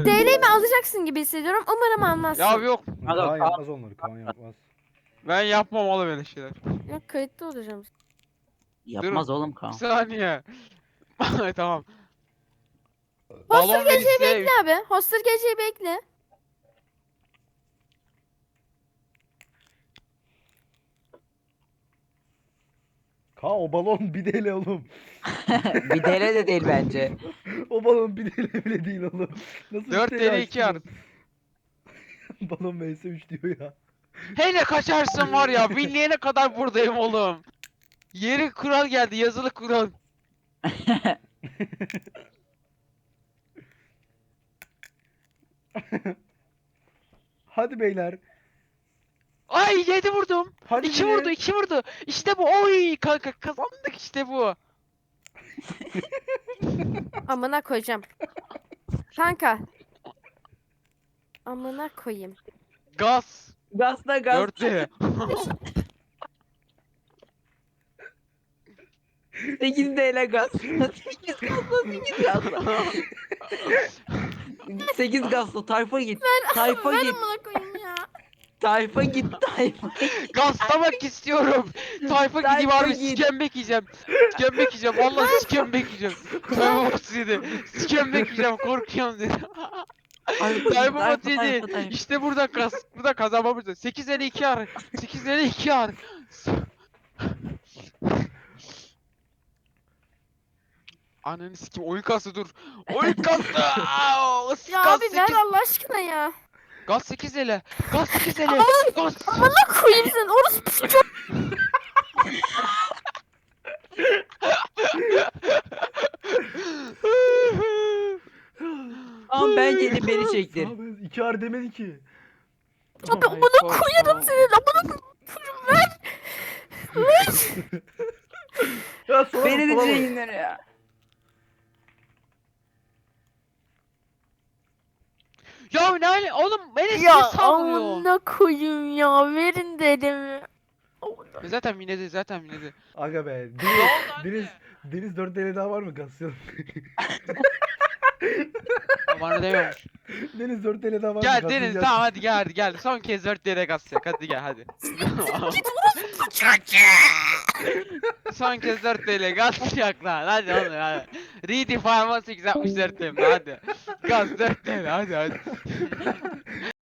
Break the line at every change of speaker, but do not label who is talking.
DL'mi alacaksın gibi hissediyorum. Umarım almazsın.
Ya yok.
Kaan yapmaz onları. Kaan yapmaz.
Ben yapmam oğlum öyle şeyler.
Yok, kayıtlı olacağım.
Yapmaz oğlum
Bir
Kaan.
saniye. Tamam.
Hoster
Balon
geceyi
Melis'e
bekle abi. Hoster geceyi bekle.
Kaan o balon bir TL oğlum.
Bir TL de değil bence.
O balon bir TL bile değil oğlum. Nasıl
4
bir
TL 2
açtınız?
ar.
Balon vs3 diyor ya.
Hele kaçarsın var ya. Winleyene kadar buradayım oğlum. Yeri kural geldi. Yazılı kural.
Hadi beyler.
Ay 7 vurdum.
Hadi
2
biri.
vurdu 2 vurdu. İşte bu. Oy kanka kazandık işte bu.
Amına koyacağım. Kanka. Amına koyayım.
Gaz.
Gazla gaz.
4 TL.
8 TL gaz. 8 gazla 8 gazla. 8 gazla tayfa git. Tayfa
Ver
git.
amına koyayım ya.
Tayfa git. Tayfa git.
Gazlamak istiyorum. Tayfa gideyim
Tayfa
abi
git.
sikembek yiyeceğim. Sikembek yiyeceğim. Vallahi sikembek yiyeceğim. Tayfa Batu dedi. Sikembek yiyeceğim korkuyorum dedi. Tayfa Batu dedi. İşte burada kazanmamız lazım. 852 ar. 852 ar. Ananı sikim oyun kastı dur. Oyun kastı. Aa,
Ya
gaz
abi
8.
ver Allah aşkına ya.
Gaz 8 ele. Gaz 8 ele. Gaz.
Amına koyayım sen. Orası çok.
Ama bence de beni çektir.
Abi 2 ar demedi ki.
Abi amına koyarım senin. Amına koyarım ver.
Ya sola bak,
Beni de
sola bak.
çekinler ya.
Ya ne hali oğlum beni niye
Ya
sallıyor?
amına koyayım ya. Verin dedemi.
Zaten minedi zaten minedi.
Aga be. Deniz 4 TL daha var mı? Gaslayalım.
Bana demiyormuş.
Deniz 4 TL daha var mı?
Gel Deniz
Gaslayacağız.
tamam hadi gel. Son kez 4 lira gaz yak hadi gel hadi. Son kez 4 TL gaz yak lan hadi oğlum hadi. Redefine 1864 TL hadi. Gaz 4 TL hadi.